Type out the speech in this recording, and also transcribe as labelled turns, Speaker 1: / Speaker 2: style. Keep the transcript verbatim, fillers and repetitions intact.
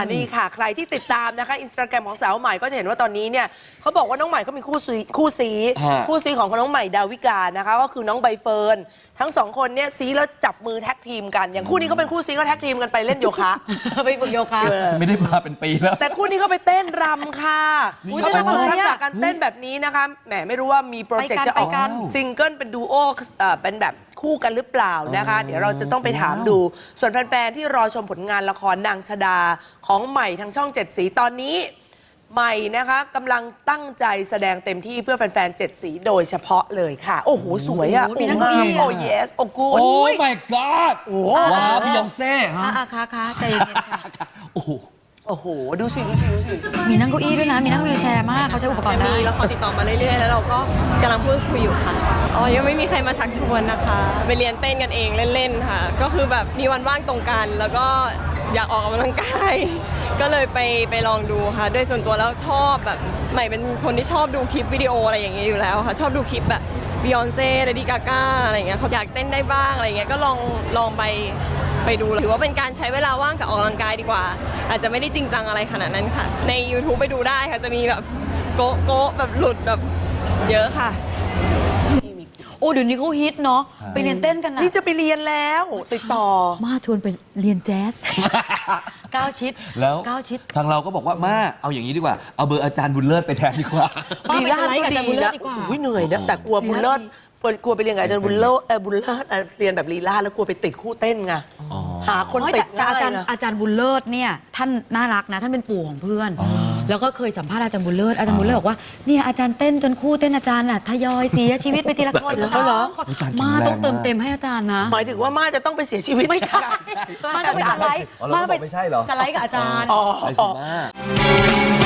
Speaker 1: นี่ค่ะใครที่ติดตามนะคะอินสตาแกรมของสาวใหม่ก็จะเห็นว่าตอนนี้เนี่ยเขาบอกว่าน้องใหม่เขามีคู่ซีคู่ซีคู่ซีของน้องใหม่ดาวิกานะคะก็คือน้องใบเฟิร์นทั้งสองคนเนี่ยซีแล้วจับมือแท็กทีมกันอย่างคู่นี้เขาเป็นคู่ซีก็แท็กทีมกันไปเล่นโยคะ
Speaker 2: ไปฝึกโยคะ
Speaker 3: ไม่ได้มาเป็นปีแล้ว
Speaker 1: แต่คู่นี้เขาไปเต้นรำค่ะเขาเป็นคนทักษะการเต้นแบบนี้นะคะแหมไม่รู้ว่ามีโปรเจกต์จะออกซิงเกิลเป็นดูโอเป็นแบบคู่กันหรือเปล่านะคะเดี๋ยวเราจะต้องไปถามดูส่วนแฟนๆที่รอชมผลงานละครนางชดาของใหม่ทางช่องเจ็ดสีตอนนี้ใหม่นะคะกำลังตั้งใจแสดงเต็มที่เพื่อแฟนๆเจ็ดสีโดยเฉพาะเลยค่ะโอ้โหสวยอ่ะ
Speaker 2: มีนั่งเก้าอี้
Speaker 1: โอ้ yes โอ้กู
Speaker 3: โอ้ my god ว้าวพี่ยองเซ่ฮะ
Speaker 2: อ่ะค่ะค่ะใจเย็นค่ะ
Speaker 3: โอ้โห
Speaker 1: โอ้โหดูสิดูสิดูสิ
Speaker 2: มีนั่งเก้าอี้ด้วยนะมีนั่งวีลแชร์มากเขาใช้อุปกรณ์ได้
Speaker 4: มีละครติดต่อมาเรื่อยๆแล้วเราก็กำลังพูดคุยอยู่ค่ะอ๋อยังไม่มีใครมาชักชวนนะคะไปเรียนเต้นกันเองเล่นๆค่ะก็คือแบบมีวันว่างตรงกันแล้วก็อยากออกกำลังกายก็เลยไปไปลองดูค่ะโดยส่วนตัวแล้วชอบแบบใหม่เป็นคนที่ชอบดูคลิปวิดีโออะไรอย่างเงี้ยอยู่แล้วค่ะชอบดูคลิปแบบบิยอนเซ่เลดี้กาก้าอะไรอย่างเงี้ยเขาอยากเต้นได้บ้างอะไรเงี้ยก็ลองลองไปไปดูถือว่าเป็นการใช้เวลาว่างกับออกกำลังกายดีกว่าอาจจะไม่ได้จริงจังอะไรขนาดนั้นค่ะใน YouTube ไปดูได้ค่ะจะมีแบบโก๊ะโก๊ะแบบหลุดแบบเยอะค่ะ
Speaker 2: โอ้เดี๋ยวนี้เขาฮิตเนาะไปเรียนเต้นกันนะ
Speaker 1: นี่จะไปเรียนแล้วติดต่อ
Speaker 2: มาชวนไปเรียนแจ๊สก้าวชิด
Speaker 3: แล้ว
Speaker 2: ก้าวชิด
Speaker 3: ทางเราก็บอกว่ามาเอาอย่างนี้ดีกว่าเอาเบอร์อาจารย์บุญเลิศไปแทนดีกว่า
Speaker 2: ลีลาดกับอาจารย์บุญเลิศดีกว่า
Speaker 1: เหนื่อยนะแต่กลัวบุญเลิศกลัวไปเรียนกับอาจารย์บุญเลิศบุญเลิศเรียนแบบลีลาแล้วกลัวไปติดคู่เต้นไงหาคนติด
Speaker 2: แต่อาจารย์อาจารย์บุญเลิศเนี่ยท่านน่ารักนะท่านเป็นปู่ของเพื่อนแล้วก็เคยสัมภาษณ์อาจารย์บุญเลิศอาจารย์บุญเลิศบอกว่าเนี่ยอาจารย์เต้นจนคู่เต้นอาจารย์น่ะทยอยเสียชีวิตไปทีละคน
Speaker 1: แล้วเหรอ
Speaker 2: มาต้องเติมเต็มให้อาจารย์นะ
Speaker 1: หมายถึงว่ามาจะต้องไปเสียชีวิต
Speaker 2: ไม่ใช่มาต้องไปสไลด์
Speaker 3: มาไปไม่ใช่เหรอ
Speaker 2: สไลด์กับอาจารย์
Speaker 3: ไปสิมา